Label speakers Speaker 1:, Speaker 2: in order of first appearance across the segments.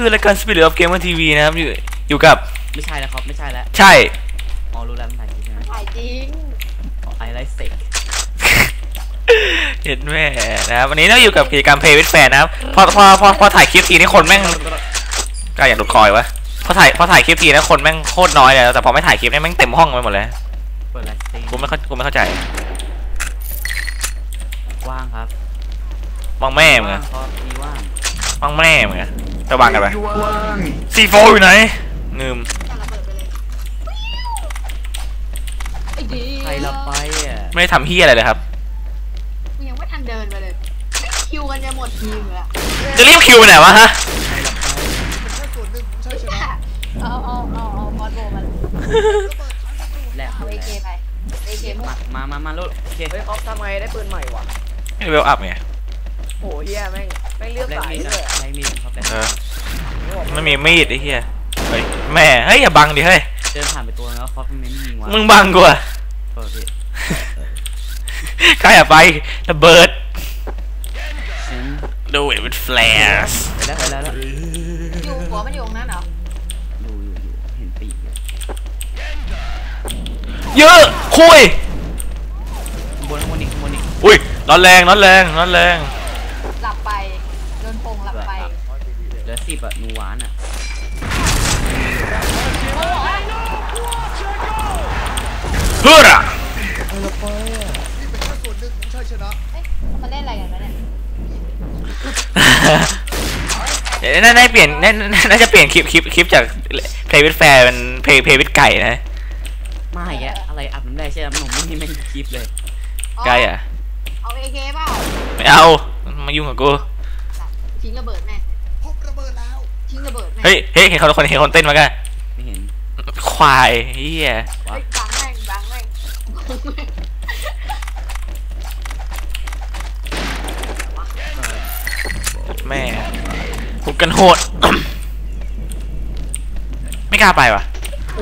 Speaker 1: คือรายการ Spirit of Gamer TV นะครับอยู่กับ
Speaker 2: ไม่ใช่แล้วครับไม่ใช่แล้ว
Speaker 1: ใช่
Speaker 2: อ๋อรู้แล้วมันถ่ายจริงใช่ไหม
Speaker 3: ถ่ายจริง
Speaker 2: ไอไลท์เซ็ก
Speaker 1: เห็นแม่นะครับวันนี้เราอยู่กับกิจกรรม Play with Fan นะครับพอถ่ายคลิปทีนี่คนแม่งก็อยากดูคอยวะพอถ่ายคลิปทีนะคนแม่งโคตรน้อยเลยแต่พอไม่ถ่ายคลิปนี่แม่งเต็มห้องไปหมดเลย
Speaker 2: เปิดไลท์สตรีม
Speaker 1: กูไม่เข้าใจ
Speaker 2: ว่างครับ
Speaker 1: ว่างแม่มึงอะ
Speaker 2: มี
Speaker 1: ว่างแม่มึงอะไปวางกันไปC4อยู่ไหนงืม
Speaker 2: ใครละไปอ่ะ
Speaker 1: ไม่ได้ทำเฮียอะไรเลยครับ
Speaker 3: ยังไม่ทันเดินไปเลยคิวกันจะหมดทีมแล้ว
Speaker 1: จะรีบคิวไปไหนวะฮะ
Speaker 3: เอาบอลโบมัน
Speaker 2: แหลก
Speaker 3: เอาAKไปAK
Speaker 2: มาลูกโอเค
Speaker 4: เฮ้ยออฟทำไงได้ปืนใหม่วะ
Speaker 1: ไม่เวลอัพไง
Speaker 4: โหเฮียแม่งเลือกสายเลย
Speaker 2: ใช้มีดครับ
Speaker 1: ไม่มีมีดไอ้เหี้ยเฮ้ยแม่เฮ้ยอย่าบังดิเฮ้ย
Speaker 2: เดินผ่านไปตัวแล้วเขาไม่ยิงวะ
Speaker 1: มึงบังกูอะใครอย่าไประเบิดดูit with flares
Speaker 2: แล้ว
Speaker 3: อยู่หัวมันอยู่ตรงนั้นเหรอ
Speaker 2: อยู่เห็นปีก
Speaker 1: เยอะคุย
Speaker 2: บนอีก
Speaker 1: อุ้ยร้อนแรง
Speaker 3: หลับไปโดนพงหลับไป
Speaker 2: เหลือ10อ่ะนูหวานอ่ะ
Speaker 1: เฮ้อ
Speaker 4: เราไปอ่ะนี่เป็นแค่ส่วนหนึ่งของชัยชนะ
Speaker 3: มาเล่นอะไรกันวะเนี่ย
Speaker 1: น่าเปลี่ยนน่าจะเปลี่ยนคลิปจาก Play with Fair เป็น Play with ไก่นะ
Speaker 2: มาอีกแล้วอะไรอับน้ำได้ใช่ไหมหนุ่มนี่ไม่คลิปเลย
Speaker 1: ไก่อะ
Speaker 3: เอา AK เปล่า
Speaker 1: ไม่เอามายุ่งกับกู
Speaker 3: ทิ้งระเบิดแม่
Speaker 4: พบระเบิดแล้ว
Speaker 3: ทิ้งระเบิดแม่
Speaker 1: เฮ้ยเห็นคนเต้นมากัน
Speaker 2: ไม่เห็น
Speaker 1: ควายเฮีย
Speaker 3: บังแม่ง
Speaker 1: แม่กูกันโหดไม่กล้าไปว่ะ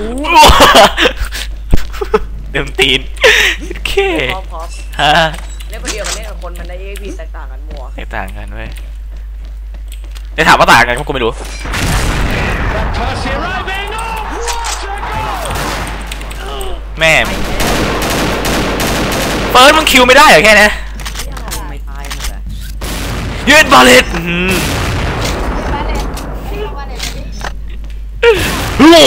Speaker 1: เดิมตีนโอเคฮะ
Speaker 4: เล่นคนเดียวมันเล่นกับคนมันได้ EXP แตกต่างกันมัว
Speaker 1: แตกต่างกันเว้ยได้ถามว่าต่างกันกูไม่รู้แม่เปิดมึงคิวไม่ได้เหรอแค่นี้
Speaker 2: ไม่ตายหมดเลย
Speaker 1: ยืดบาเลตโอ้โห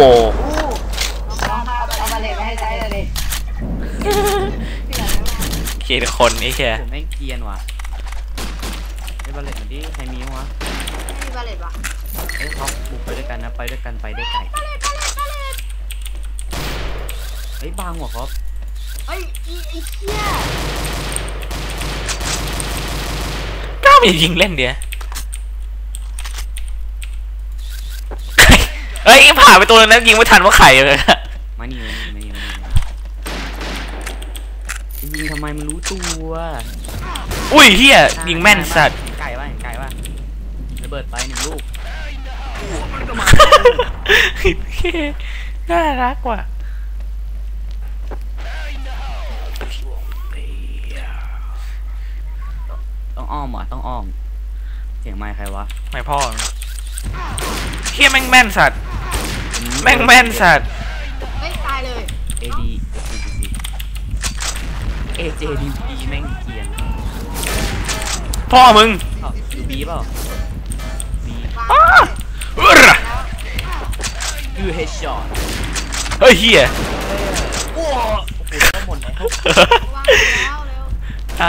Speaker 1: เขียนคนไอ้แค่
Speaker 2: ผมแม่งเกียนว่ะไอ้บาเลตมันดิใครมีวะ
Speaker 3: มีบาเลตวะ
Speaker 2: เอ้ยเขาบุกไปด้วยกันนะไปด้วยกันไปได้ไกลเฮ้ยบางหัวครับ
Speaker 3: ไอ้เหี้ย
Speaker 1: ก้าวมันยิงเล่นเดียวเฮ้ยผ่าไปตัวนึงนะยิงไม่ทันว่าไข่เลย
Speaker 2: มานี่ยิงทำไมมันรู้ตัว
Speaker 1: อุ้ยเฮียยิงแม่นสัตว์
Speaker 2: ไก่ว่าระเบิดไป1 ลูก
Speaker 1: น่ารักว่ะ
Speaker 2: ต้องอ้อมว่ะต้องอ้อมเสียงไมค์ใครวะ
Speaker 1: ไม่พ่อเฮียแม่งแม่นสัตว์แม่งแม่นสัตว์
Speaker 3: ไม่ตายเลย
Speaker 2: AJDP แม่งเกียน
Speaker 1: พ่อมึง
Speaker 2: ดูบีเปล่าบีดูเฮดช็อต
Speaker 1: เฮ้ยเฮีย
Speaker 2: โอ้โหก็หมดแล้ว
Speaker 1: อ่ะ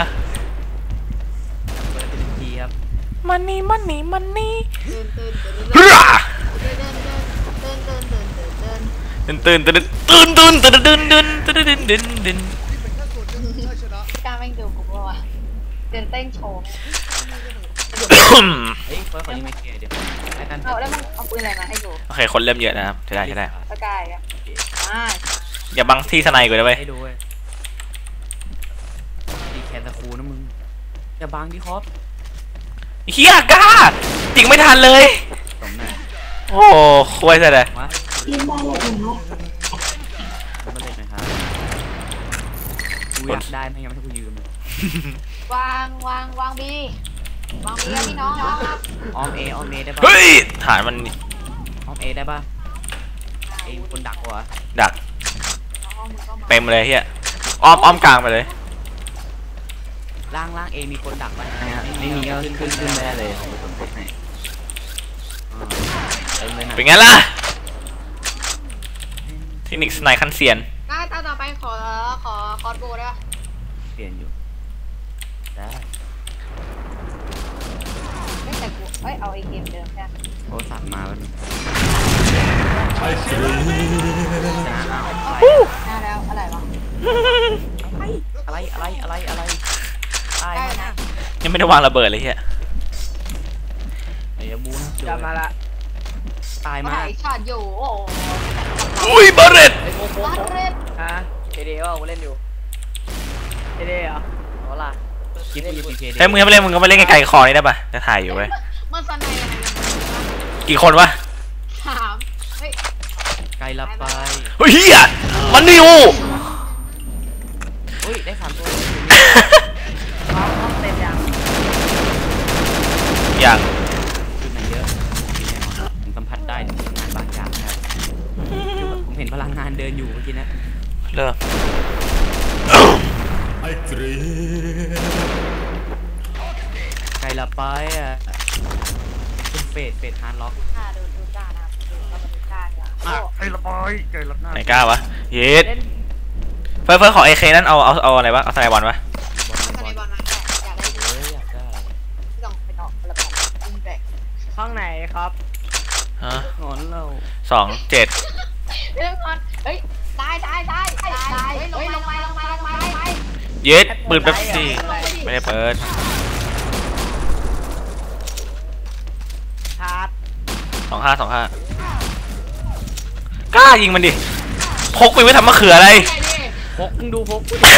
Speaker 2: เป็นทีครับ
Speaker 1: มันนี่ตื่น
Speaker 3: การแม่งดูกูว่าเดินเต้นโชว์
Speaker 2: เฮ้ยขอยิงไม่เกียร์เดี๋ยว
Speaker 3: เอาแล้วมึงเอาปืนอะไรมาให้ดู
Speaker 1: โอเคคนเริ่มเยอะนะครับใช่ได้
Speaker 3: สกายอ่ะ
Speaker 1: อย่าบังที่สไนกูได้ไหม
Speaker 2: ให้ดูเว้ยดีแคนตะคูนะมึงอย่าบังดิครับ
Speaker 1: เฮียก้าจริงไม่ทันเลยโอ้คุยซะเลย
Speaker 3: ยืมบอลเลยเนาะ
Speaker 2: มาเล่นหน่อยครับกูอยากได้ไม่งั้นไม่ให้กูยืม
Speaker 3: วางบีวางเรือพี่น้องครับ
Speaker 2: ออมเอได้ปะ
Speaker 1: เฮ้ยฐานมัน
Speaker 2: ออมเอได้ปะเอมีคนดักวะ
Speaker 1: ดัก
Speaker 3: น้องมึงก็มา
Speaker 1: เต็มเลยเฮียอ้อมกลางไปเลย
Speaker 2: ล่างเอมีคนดักปะไม่มีก็ขึ้นแน่เลยผมไปกดให้เต็มเลยนะ
Speaker 1: เป็นไงล่ะเทคนิคสไนคันเซียน
Speaker 3: ได้ตาต่อไปขอคอร์สโบได้ปะ
Speaker 2: เปลี่ยนอยู่ได้
Speaker 3: ไม่แต่กูเอาไอเกมเดิมใช่ไหม
Speaker 2: โอ้สั่งมาแล้ว
Speaker 4: I dream
Speaker 3: น่าแล้วอะไรวะ
Speaker 2: อะไรตาย
Speaker 3: ได้นะ
Speaker 1: ยังไม่ได้วางระเบิดเลยเฮีย
Speaker 2: เดี๋ยวบูนะ
Speaker 5: กลับมาละ
Speaker 2: ตาย
Speaker 3: มา
Speaker 2: มา
Speaker 3: ถ่ายช็อตอยู่โอ้โห
Speaker 1: อุ้ยบาเรต
Speaker 2: ไอ้โมโม
Speaker 3: บาเรต
Speaker 5: ฮะเอเดว่ากูเล่นอยู่เอเดเหรอเอาล่ะ
Speaker 2: คลิปกูอยู่พีเค
Speaker 1: เฮ้ยมึงให้ไปเล่นมึงก็ไปเล่นไกลๆคอนี่ได้ปะจะถ่ายอยู่เว้ย
Speaker 3: เมื่อสันในอะไรกัน
Speaker 1: กี่คนวะ
Speaker 3: ถามเฮ้ย
Speaker 2: ไกลลับไป
Speaker 1: เฮ้ยเฮียมันนิว
Speaker 2: อุ้ยได้3ตัว
Speaker 5: ห้องเต็มยัง
Speaker 1: อย่าง
Speaker 2: จุดไหนเยอะแน่นอนผมสัมผัสได้ถึงพลังงานบางอย่างครับผมเห็นพลังงานเดินอยู่เมื่อกี้นะ
Speaker 1: เริ่ม
Speaker 4: I dream
Speaker 2: ไกลลับไปอ่ะเป็นเฟดฮาร์ดล็อก
Speaker 3: ดูกล้านะครับดูเข้ามาดูกล้าเนี่ยโอ้
Speaker 2: ไกลลับไปไกลลับหน้า
Speaker 1: ไหนกล้าวะเย็ด
Speaker 5: เล่น
Speaker 1: เฟิร์สขอเอเคนั่นเอาอะไรวะเอาสไนบอลวะ
Speaker 3: สันในบอลนั้นอยากได้
Speaker 2: เฮ้ยอยากได้
Speaker 3: ไม่ต้องไปต่อระเบิดยิงแบก
Speaker 5: ห้องไหนครับ
Speaker 1: ฮะ
Speaker 2: งอนเรา
Speaker 3: เ
Speaker 1: 27
Speaker 3: รื่องก่อนเฮ้ยตายเฮ้ยลงมา
Speaker 1: เย็ดปืนเป๊ปซี่ไม่ได้เปิด
Speaker 5: ชาร์จ
Speaker 1: 25กล้ายิงมันดิพกไปไว้ทำมะเขืออะไร
Speaker 2: พกมึงดูพก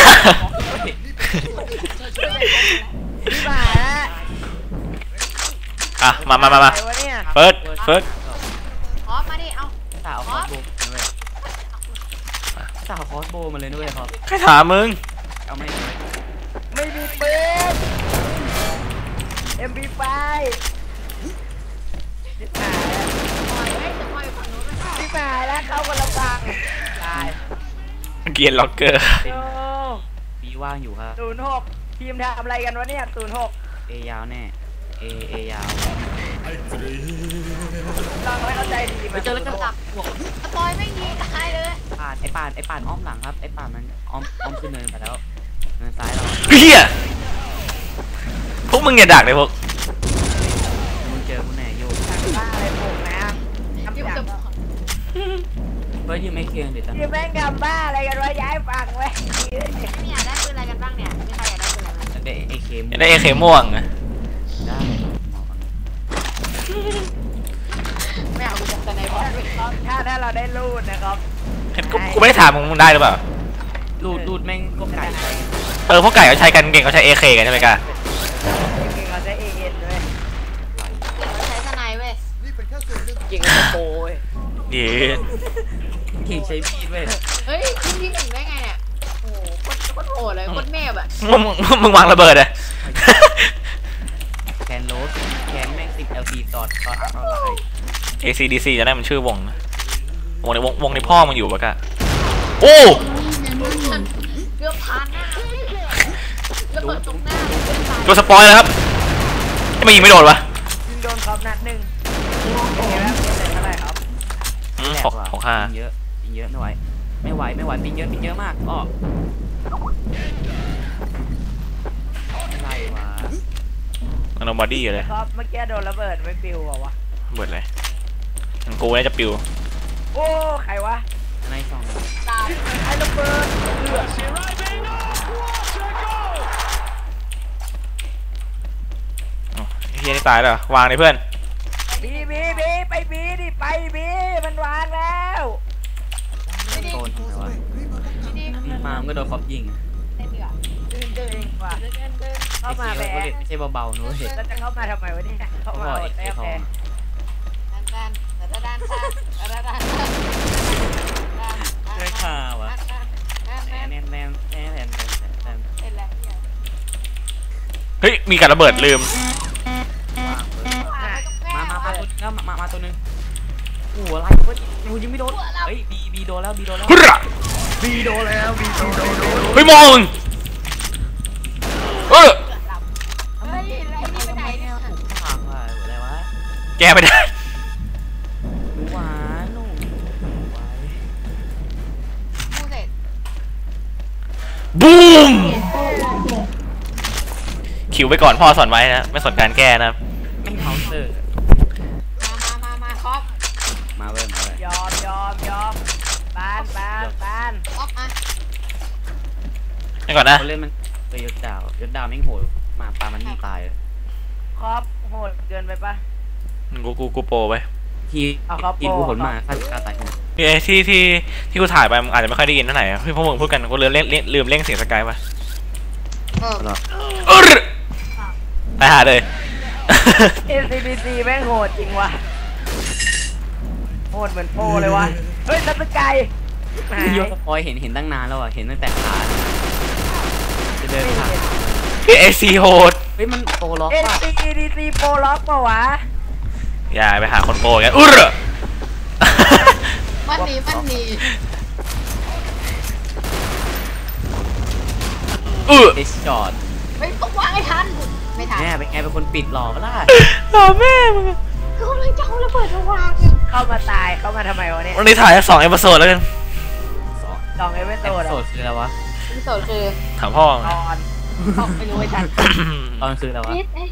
Speaker 5: พี่หมา
Speaker 1: อ่ะมา
Speaker 5: อะไรวะเนี่ย
Speaker 1: เฟิร์ส
Speaker 3: พร้อมมาดิเอา
Speaker 2: สาวคอสโบด้วยสาวคอสโบมาเลยด้วยครับ
Speaker 1: ใครถามมึง
Speaker 2: เอาไม่
Speaker 5: ไม่มีปืน MP5 พี่หมา
Speaker 3: ปล่อยให้จะปล่อยฝั่งนู้นไป
Speaker 5: พี่หมาแล้วเข้าคนละฝั่งตาย
Speaker 1: เกียร์ล็อกเกอร์
Speaker 5: โอ้
Speaker 2: ปีว่างอยู่ครับ
Speaker 5: 06ทีมทำอะไรกันวะเนี่ย06
Speaker 2: เอยาวแน่เอยาว
Speaker 4: I dream
Speaker 5: เราไม่เข้าใจดี
Speaker 2: ไปเจอแล้วก็ตักบวก
Speaker 3: ปล่อยไม่ยิงตายเลย
Speaker 2: ไอ้ปาดอ้อมหลังครับไอ้ปาดมันอ้อมขึ้นเนินไปแล้วเนินซ้ายเรา
Speaker 1: เฮียพวกมึงอย่าดักเลยพวก
Speaker 2: มึงเจอกูแน่โยก
Speaker 5: บ้าอะไรผมนะทำ
Speaker 3: ยุ่ง
Speaker 5: อย่าง
Speaker 3: จะ
Speaker 2: เฮ้ยยืมไม่เคียงเดี๋ยวจะ
Speaker 5: ทีมแม่งทำบ้าอะไรกันวะย้ายฝั่งไว้
Speaker 3: ไม่อยากได้ปืนอะไรกันบ้างเนี่ยมีใครอยากได้ปืนอะไรไหม
Speaker 2: ได้ไอ้เคม
Speaker 1: อยากได้เอเคม่วงอะ
Speaker 2: ได้
Speaker 3: ไม่เอากูจะสไนบอลด้วย
Speaker 5: ถ้าเราได้รูดนะครับ
Speaker 1: กูไม่ได้ถามมึงได้หรือเปล่า
Speaker 2: รูดแม่งก็ไก่ไป
Speaker 1: พวกไก่เขาใช้กันเก่งเขาใช้เอเคกันใช่ไหมกะ
Speaker 5: จริงๆเราใช้ AN ด้วย
Speaker 3: ใช้สไนเว้ย
Speaker 4: นี่เป็นแค่ส่วนหนึ่ง
Speaker 5: จริงเราโปรย
Speaker 1: เย็ด
Speaker 2: เก่งใช้มีดเว้ย
Speaker 3: เฮ้ยขึ้นที่1ได้ไงเนี่ยโอ้โหโคตรโหดเลยโคตรเมฟอ่ะ
Speaker 1: มึงวางระเบิดอะ
Speaker 2: แคนโรสแคนแม่ง10 LT ตอดออนไลน์
Speaker 1: ACDC จะได้มันชื่อวงนะวงในพ่อมึงอยู่ปะกะโอ้
Speaker 3: เกือบพันนะระเบิดตรงหน้าเลยเพื่อนตาย
Speaker 1: ตัวสปอยแล้วครับไม่ยิงไม่โดนวะ
Speaker 5: ยิงโดนครับนัดหนึ่งเป็นไงบ้างเป็นเท่าไหร่ครับ
Speaker 1: 65
Speaker 2: ปิงเยอะไม่ไหวปิงเยอะมากอ้ออะไรวะ
Speaker 1: โนบอดี้อยู่เลย
Speaker 5: ครับเมื่อกี้โดนระเบิดไม่ปิวเหรอวะ
Speaker 1: เบิดเลยมันกูน่าจะปิว
Speaker 5: โอ้ใครวะ
Speaker 2: ในสอง
Speaker 3: ตาย
Speaker 5: ไอ้ระเบิด
Speaker 1: อ๋อไอ้เฮียนี่ตายแล้วเหรอวางเลยเพื่อน
Speaker 5: บีไปบีดิไปบีมันวางแล้ว
Speaker 2: โซนทำไมวะ
Speaker 3: ดี
Speaker 2: นี่มามันก็โดนคอปยิง
Speaker 3: เล่นดีกว่า
Speaker 5: เดินว่ะเข้ามา
Speaker 2: ไอ้
Speaker 5: แบ
Speaker 2: เคีย
Speaker 5: บ
Speaker 2: ไม่ใช่เบาๆนู้นเห็น
Speaker 5: แล้วจะเข้ามาทำไมวะเนี่ยเข้า
Speaker 2: เขา
Speaker 5: มา
Speaker 2: บอก
Speaker 5: อด
Speaker 2: ไอ้
Speaker 5: แต้ม
Speaker 2: ทอ
Speaker 5: แพ้
Speaker 2: ง
Speaker 3: ด้าน
Speaker 2: ไม่ข่าวะ
Speaker 3: แม่
Speaker 2: แนน
Speaker 3: เป็นไร
Speaker 1: เฮ้ยมีการระเบิดลืม
Speaker 2: ยิงไม่โดนเฮ้ยบีโดนแล้วบีโดนแล้ว
Speaker 1: ฮึระ
Speaker 4: บีโดแล้วบีโด
Speaker 1: เฮ้ยมองมึงเออ
Speaker 3: เฮ้ยไอ้นี่ไปไหนเนี่ย
Speaker 2: ปากว่ะอะไรวะ
Speaker 1: แกไม่ได้
Speaker 2: หนูหวานหนูไว้
Speaker 3: พูดเสร็จ
Speaker 1: บูมคิวไปก่อนพ่อสอนไว้นะไม่สนการแก้นะ
Speaker 2: ไม่เคาน์เตอร์
Speaker 3: มาครับ
Speaker 2: มาเว้ยมาเว้ย
Speaker 5: ยอมบาน
Speaker 3: ออกมา
Speaker 1: ให้ก่อนนะ
Speaker 2: เขาเล่นมันไปยศดาวแม่งโหดมาปามันนี่ตายเลย
Speaker 5: ครอบโหดเกินไปปะ
Speaker 1: กูโปรไป
Speaker 2: ที
Speaker 5: เอาครับ
Speaker 2: ทีกูผลมาฆ่าตายหมด
Speaker 1: พี่ไอ้ที่กูถ่ายไปมันอาจจะไม่ค่อยได้ยินเท่าไหร่อะพี่พวกมึงพูดกันกูลืมเร่งเสียงสกายไป
Speaker 3: เออ
Speaker 1: ไปหาเลย
Speaker 5: NCPC แม่งโหดจริงว่ะโหดเหมือนโปรเลยวะเฮ้ยนัทไกหาย
Speaker 2: ยศปอยเห็นตั้งนานแล้วอ่ะเห็นตั้งแต่ขาจะเดินผ่าน
Speaker 1: พี่ไอซีโหด
Speaker 2: เฮ้ยมันโตล็อกป่ะ
Speaker 5: NCPC โปรล็อกปะวะ
Speaker 1: อย่าไปหาคนโปรกัน
Speaker 3: มันหนี
Speaker 2: เอชจอด
Speaker 3: ไม่ต้องวางให้ทันไม่ทัน
Speaker 2: แม่เป็นไงเป็นคนปิดหลอกก็ได้
Speaker 1: หล่อแม่มึง
Speaker 3: ก็เลยจะเอาระเบิดมาวาง
Speaker 5: เข้ามาตายเข้ามาทำไมวะเนี่ย
Speaker 1: วันนี้ถ่าย2 เอพิโซดแล้วกัน
Speaker 5: ลองเอเวน
Speaker 2: โส
Speaker 5: โต
Speaker 2: ด
Speaker 5: ด
Speaker 2: โสดคืออะไรวะ
Speaker 3: ที่สุดคือ
Speaker 1: ถามพ่อ
Speaker 5: ตอน
Speaker 3: ไม่รู้ไอ้ทัน
Speaker 2: ตอนคืออะไรวะ
Speaker 3: นิด